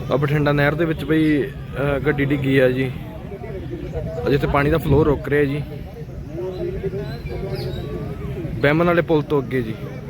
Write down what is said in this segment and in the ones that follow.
ਆ ਬਠਿੰਡਾ ਨਹਿਰ ਦੇ ਵਿੱਚ ਬਈ ਗੱਡੀ ਡਿੱਗੀ ਆ ਜੀ। ਜਿੱਥੇ ਪਾਣੀ ਦਾ ਫਲੋ ਰੁਕ ਰਿਹਾ ਜੀ, ਬੈਮਨ ਵਾਲੇ ਪੁਲ ਤੋਂ ਅੱਗੇ ਜੀ।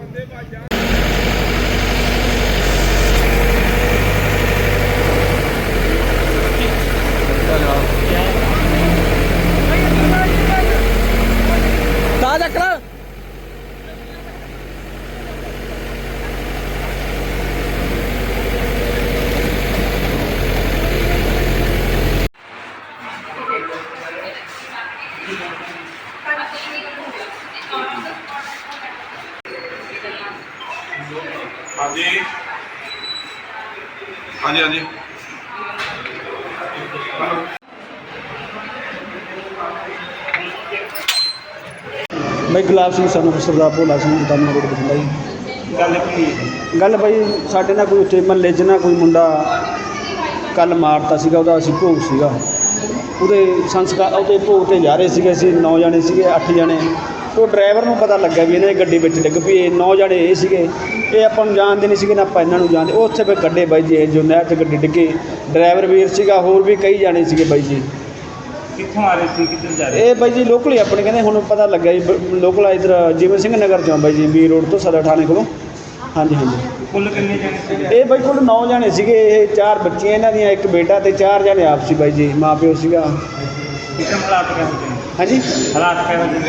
हाँ जी हाँ जी हाँ जी भाई गुलाब सिंह सन सरदार भोला सिंह दमन रोड बठिंडा जी। गल भाई साढ़े ना कोई उत्थे महल्ले च ना कोई मुंडा कल मारता सीगा, ਉਹਦਾ ਅਸੀਂ ਭੋਗ ਸੀਗਾ, ਉਹਦੇ ਸੰਸਕਾਰ ਉਹਦੇ ਭੋਗ ਤੇ ਜਾ ਰਹੇ ਸੀਗੇ। ਅਸੀਂ 9 ਜਣੇ ਸੀਗੇ, 8 ਜਣੇ। ਉਹ ਡਰਾਈਵਰ ਨੂੰ ਪਤਾ ਲੱਗਾ ਵੀ ਇਹਨਾਂ ਦੀ ਗੱਡੀ ਵਿੱਚ ਡਿੱਗ ਪਈ। ਇਹ 9 ਜਣੇ ਇਹ ਸੀਗੇ, ਇਹ ਆਪਾਂ ਨੂੰ ਜਾਣਦੇ ਨਹੀਂ ਸੀਗੇ ਨਾ ਆਪਾਂ ਇਹਨਾਂ ਨੂੰ ਜਾਣਦੇ। ਉਹ ਉੱਥੇ ਫਿਰ ਗੱਡੇ ਬਾਈ ਜੀ ਜੋ ਨਹਿਰ 'ਚ ਗੱਡੀ ਡਿੱਗੀ, ਡਰਾਈਵਰ ਵੀਰ ਸੀਗਾ, ਹੋਰ ਵੀ ਕਈ ਜਾਣੇ ਸੀਗੇ ਬਾਈ ਜੀ। ਕਿੱਥੋਂ ਆ ਰਹੇ ਸੀ, ਕਿੱਧਰ ਜਾ ਰਹੇ? ਇਹ ਬਾਈ ਜੀ ਲੋਕਲ ਹੀ ਆਪਣੇ ਕਹਿੰਦੇ, ਹੁਣ ਪਤਾ ਲੱਗਾ ਜੀ ਲੋਕਲ ਇੱਧਰ ਜਿਵੇਂ ਸਿੰਘ ਨਗਰ 'ਚੋਂ ਬਾਈ ਜੀ, ਬੀ ਰੋਡ ਤੋਂ ਸਦਰ ਥਾਣੇ ਕੋਲੋਂ। ਹਾਂਜੀ ਹਾਂਜੀ। ਕੁੱਲ ਕਿੰਨੇ ਜਣੇ ਸੀਗੇ? ਇਹ ਬਾਈ ਕੋਲ 9 ਜਣੇ ਸੀਗੇ। ਇਹ 4 ਬੱਚੀਆਂ ਇਹਨਾਂ ਦੀਆਂ, ਇੱਕ ਬੇਟਾ ਤੇ 4 ਜਣੇ ਆਪ ਸੀ ਬਾਈ ਜੀ, ਮਾਂ ਪਿਓ ਸੀਗਾ। ਕਿੱਦਾਂ ਹਾਲਾਤ ਕਿਹੋ ਜਿਹੇ ਨੇ? ਹਾਂਜੀ ਹਾਲਾਤ ਕਿਹੋ ਜਿਹੇ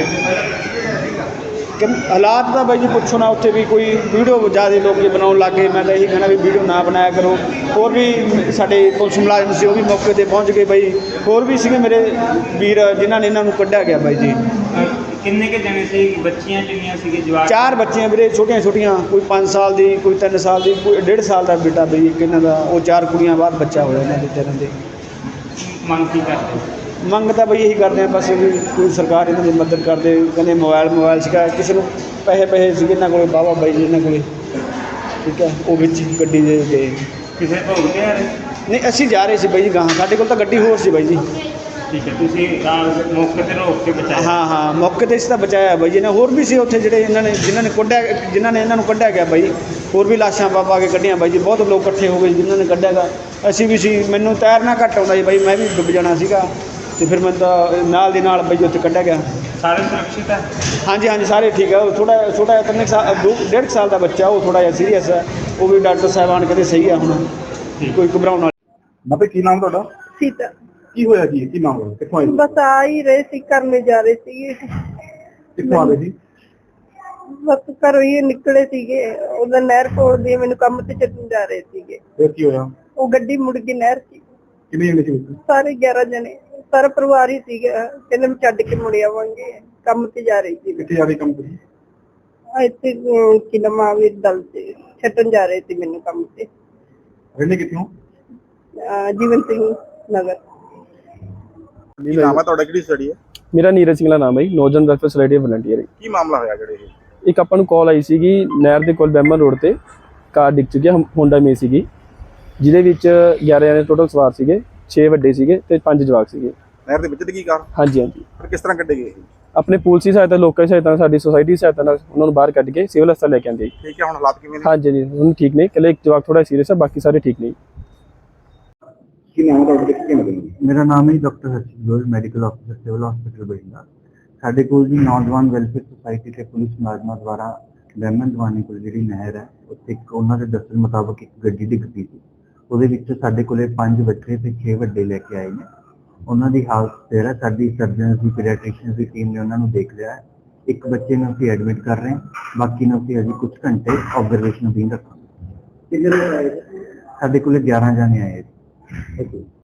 ਨੇ? ਹਾਲਾਤ ਤਾਂ ਬਾਈ ਜੀ ਪੁੱਛੋ ਨਾ। ਉੱਥੇ ਵੀ ਕੋਈ ਵੀਡੀਓ ਜ਼ਿਆਦਾ ਲੋਕ ਜੀ ਬਣਾਉਣ ਲੱਗ ਗਏ। ਮੈਂ ਤਾਂ ਇਹੀ ਕਹਿਣਾ ਵੀ ਵੀਡੀਓ ਨਾ ਬਣਾਇਆ ਕਰੋ। ਹੋਰ ਵੀ ਸਾਡੇ ਪੁਲਿਸ ਮੁਲਾਜ਼ਮ ਸੀ, ਉਹ ਵੀ ਮੌਕੇ 'ਤੇ ਪਹੁੰਚ ਗਏ ਬਾਈ। ਹੋਰ ਵੀ ਸੀਗੇ ਮੇਰੇ ਵੀਰ ਜਿਨ੍ਹਾਂ ਨੇ ਇਹਨਾਂ ਨੂੰ ਕੱਢਿਆ ਗਿਆ ਬਾਈ ਜੀ। ਕਿੰਨੇ ਕੁ ਜਣੇ ਸੀ? ਬੱਚੀਆਂ ਕਿੰਨੀਆਂ ਸੀਗੇ? ਜਵਾਕ? 4 ਬੱਚੀਆਂ ਵੀਰੇ, ਛੋਟੀਆਂ ਛੋਟੀਆਂ, ਕੋਈ 5 ਸਾਲ ਦੀ, ਕੋਈ 3 ਸਾਲ ਦੀ, ਕੋਈ 1.5 ਸਾਲ ਦਾ ਬੇਟਾ ਬਈ ਇੱਕ ਇਹਨਾਂ ਦਾ। ਉਹ 4 ਕੁੜੀਆਂ ਬਾਅਦ ਬੱਚਾ ਹੋਇਆ ਇਹਨਾਂ ਦੇ ਤਿੰਨਾਂ ਦੇ। ਮੰਗ ਕੀ ਕਰਦੇ? ਮੰਗ ਤਾਂ ਬਈ ਇਹੀ ਕਰਦੇ ਆ ਬਸ ਵੀ ਕੋਈ ਸਰਕਾਰ ਇਹਨਾਂ ਦੀ ਮਦਦ ਕਰਦੇ। ਕਹਿੰਦੇ ਮੋਬਾਈਲ ਸੀਗਾ, ਕਿਸੇ ਨੂੰ ਪੈਸੇ ਸੀਗੇ ਇਹਨਾਂ ਕੋਲ ਵਾਹਵਾ ਬਾਈ ਜੀ ਇਹਨਾਂ ਕੋਲ, ਠੀਕ ਹੈ। ਉਹ ਵਿੱਚ ਗੱਡੀ ਦੇ ਗਏ। ਕਿਸੇ ਭੋਗ ਤੇ ਆ ਰਹੇ? ਨਹੀਂ ਅਸੀਂ ਜਾ ਰਹੇ ਸੀ ਬਾਈ ਜੀ ਗਾਹਾਂ, ਸਾਡੇ ਕੋਲ ਤਾਂ ਗੱਡੀ ਹੋਰ ਸੀ ਬਾਈ ਜੀ। ਠੀਕ ਹੈ, ਤੁਸੀਂ ਮੌਕੇ ਤੇ ਰੋਕ ਕੇ ਬਚਾਇਆ? ਹਾਂ ਮੌਕੇ 'ਤੇ ਇਸ ਤਾਂ ਬਚਾਇਆ ਬਾਈ ਜੀ ਨੇ। ਹੋਰ ਵੀ ਸੀ ਉੱਥੇ ਜਿਹੜੇ ਜਿਨ੍ਹਾਂ ਨੇ ਇਹਨਾਂ ਨੂੰ ਕੱਢਿਆ ਗਿਆ ਬਾਈ। ਹੋਰ ਵੀ ਲਾਸ਼ਾਂ ਪਾ ਕੇ ਕੱਢੀਆਂ ਬਾਈ ਜੀ। ਬਹੁਤ ਲੋਕ ਇਕੱਠੇ ਹੋ ਗਏ ਜਿਨ੍ਹਾਂ ਨੇ ਕੱਢਿਆ ਗਾ। ਅਸੀਂ ਵੀ ਸੀ, ਮੈਨੂੰ ਤੈਰਨਾ ਘੱਟ ਆਉਂਦਾ ਜੀ ਬਾਈ, ਮੈਂ ਵੀ ਡੁੱਬ ਜਾਣਾ ਸੀਗਾ। ਅਤੇ ਫਿਰ ਮੈਨੂੰ ਤਾਂ ਨਾਲ ਦੀ ਨਾਲ ਬਾਈ ਉੱਥੇ ਕੱਢਿਆ ਗਿਆ। ਸਾਰੇ ਸੁਰੱਖਿਅਤ ਹੈ? ਹਾਂਜੀ ਸਾਰੇ ਠੀਕ ਹੈ। ਉਹ ਥੋੜ੍ਹਾ ਛੋਟਾ 1.5 ਸਾਲ ਦਾ ਬੱਚਾ, ਉਹ ਥੋੜ੍ਹਾ ਜਿਹਾ ਸੀਰੀਅਸ ਹੈ। ਉਹ ਵੀ ਡਾਕਟਰ ਸਾਹਿਬਾਨ ਕਹਿੰਦੇ ਸਹੀ ਆ ਹੁਣ, ਕੋਈ ਘਬਰਾਉਣ ਵਾਲੀ। ਬਾਬੇ ਕੀ ਨਾਮ ਤੁਹਾਡਾ? ਸੀਤਾ। ਕੀ ਹੋਇਆ ਜੀ? ਕੀ ਮਾਮਲਾ? ਕਿੱਥੋਂ ਆਏ? ਬਸ ਆ ਹੀ ਰਹੇ ਸੀ, ਕਰਨੇ ਜਾ ਰਹੇ ਸੀਗੇ। ਕਿੱਥੋਂ ਆ ਰਹੇ ਸੀ? ਬਸ ਘਰੋਂ ਹੀ ਨਿਕਲੇ ਸੀਗੇ, ਉਹਦਾ ਨਹਿਰ ਕੋਲ ਦੀ ਮੈਨੂੰ ਕੰਮ ਤੇ ਚੱਲਣ ਜਾ ਰਹੇ ਸੀਗੇ। ਫਿਰ ਕੀ ਹੋਇਆ? ਉਹ ਗੱਡੀ ਮੁੜ ਗਈ ਨਹਿਰ 'ਚ। ਕਿੰਨੇ ਜਣੇ ਸੀ ਵਿੱਚ? ਸਾਰੇ 11 ਜਣੇ, ਸਾਰਾ ਪਰਿਵਾਰ ਹੀ ਸੀਗਾ। ਕਹਿੰਦੇ ਮੈਂ ਛੱਡ ਕੇ ਮੁੜ ਆਵਾਂਗੇ, ਕੰਮ ਤੇ ਜਾ ਰਹੀ ਸੀ। ਕਿੱਥੇ ਜਾ ਰਹੇ ਕੰਮ ਤੇ? ਇੱਥੇ ਕੀ ਨਾਮ ਆ ਵੀ ਦਲ ਤੇ ਛੱਡਣ ਜਾ ਰਹੇ ਸੀ ਮੈਨੂੰ ਕੰਮ ਤੇ। ਰਹਿੰਦੇ ਕਿੱਥੋਂ? ਜੀਵਨ ਸਿੰਘ ਨਗਰ। ਕੀ ਨਾਮ ਹੈ ਤੁਹਾਡਾ? ਕਿਹੜੀ ਸਟੱਡੀ ਹੈ? ਮੇਰਾ ਨੀਰਜ ਸਿੰਘ ਦਾ ਨਾਮ ਹੈ ਜੀ, ਨੌਜਵਾਨ ਵੈਲਫੇਅਰ ਸੁਸਾਇਟੀ ਵਲੰਟੀਅਰ। ਕੀ ਮਾਮਲਾ ਹੋਇਆ ਜਿਹੜੇ ਇਹ? ਇੱਕ ਆਪਾਂ ਨੂੰ ਕਾਲ ਆਈ ਸੀਗੀ ਨਹਿਰ ਦੇ ਕੋਲ ਬੈਮਨ ਰੋਡ ਤੇ ਕਾਰ ਡਿੱਗ ਚੁੱਕੀ ਹੈ, ਹੋਂਡਾ ਮੇ ਸੀਗੀ, ਜਿਹਦੇ ਵਿੱਚ 11 ਜਣੇ ਟੋਟਲ ਸਵਾਰ ਸੀਗੇ। 6 ਵੱਡੇ ਸੀਗੇ ਤੇ 5 ਜਵਾਕ ਸੀਗੇ। ਨਹਿਰ ਦੇ ਵਿੱਚ ਡਿੱਗੀ ਕਾਰ? ਹਾਂਜੀ ਫਿਰ ਕਿਸ ਤਰ੍ਹਾਂ ਕੱਢੇ ਗਏ? ਆਪਣੇ ਪੁਲਿਸ ਦੀ ਸਹਾਇਤਾ, ਲੋਕਾਂ ਦੀ ਸਹਾਇਤਾ, ਸਾਡੀ ਸੁਸਾਇਟੀ ਦੀ ਸਹਾਇਤਾ ਨਾਲ ਉਹਨਾਂ ਨੂੰ ਬਾਹਰ ਕੱਢ ਕੇ ਸਿਵਲ ਹਸਪਤਾਲ ਲੈ ਕੇ ਆਂਦੇ। ਠੀਕ ਹੈ, ਹੁਣ ਹਾਲਾਤ ਕਿਵੇਂ ਨੇ? ਹਾਂਜੀ ਜੀ ਹੁਣ ਠੀਕ ਨੇ, ਇਕੱਲੇ ਇੱਕ ਜਵਾਕ ਥੋੜਾ ਸੀਰੀਅਸ ਹੈ, ਬਾਕੀ ਸਾਰੇ ਠੀਕ ਨੇ। ਕੀ ਨਾਮ ਹੈ ਤੁਹਾਡਾ? ਕਿੱਥੇ ਮਿਲੇ? ਮੇਰਾ ਨਾਮ ਹੈ doctor Harshit Goyal, medical officer civil hospital Bathinda. ਸਾਡੇ ਕੋਲ ਜੀ ਨੌਜਵਾਨ ਵੈਲਫੇਅਰ ਸੁਸਾਇਟੀ ਤੇ ਪੁਲਿਸ ਮੁਲਾਜ਼ਮਾਂ ਦੁਆਰਾ ਬੈਮਨ ਦਵਾਨੀ ਕੋਲ ਜਿਹੜੀ ਨਹਿਰ ਹੈ, ਉੱਥੇ ਇੱਕ ਉਹਨਾਂ ਦੇ ਦੱਸਣ ਮੁਤਾਬਕ ਇੱਕ ਗੱਡੀ ਡਿੱਗ ਪਈ ਸੀ। ਉਹਦੇ ਵਿੱਚ ਸਾਡੇ ਕੋਲੇ 5 ਬੱਚੇ ਤੇ 6 ਵੱਡੇ ਲੈ ਕੇ ਆਏ ਨੇ। ਉਹਨਾਂ ਦੀ ਹਾਲਤ ਸਥਿਰ ਹੈ। ਸਾਡੀ ਸਰਜਨਸ ਦੀ ਪੀਡੀਆਟ੍ਰਿਸ਼ੀਅਨਸ ਦੀ ਟੀਮ ਨੇ ਉਹਨਾਂ ਨੂੰ ਦੇਖ ਲਿਆ ਹੈ। ਇੱਕ ਬੱਚੇ ਨੂੰ ਅਸੀਂ ਐਡਮਿਟ ਕਰ ਰਹੇ ਹਾਂ, ਬਾਕੀ ਨੂੰ ਅਸੀਂ ਅਜੇ ਕੁਝ ਘੰਟੇ ਆਬਜ਼ਰਵੇਸ਼ਨ ਅਧੀਨ ਰੱਖਾਂਗੇ। ਸਾਡੇ ਕੋਲੇ 11 ਜਣੇ ਆਏ।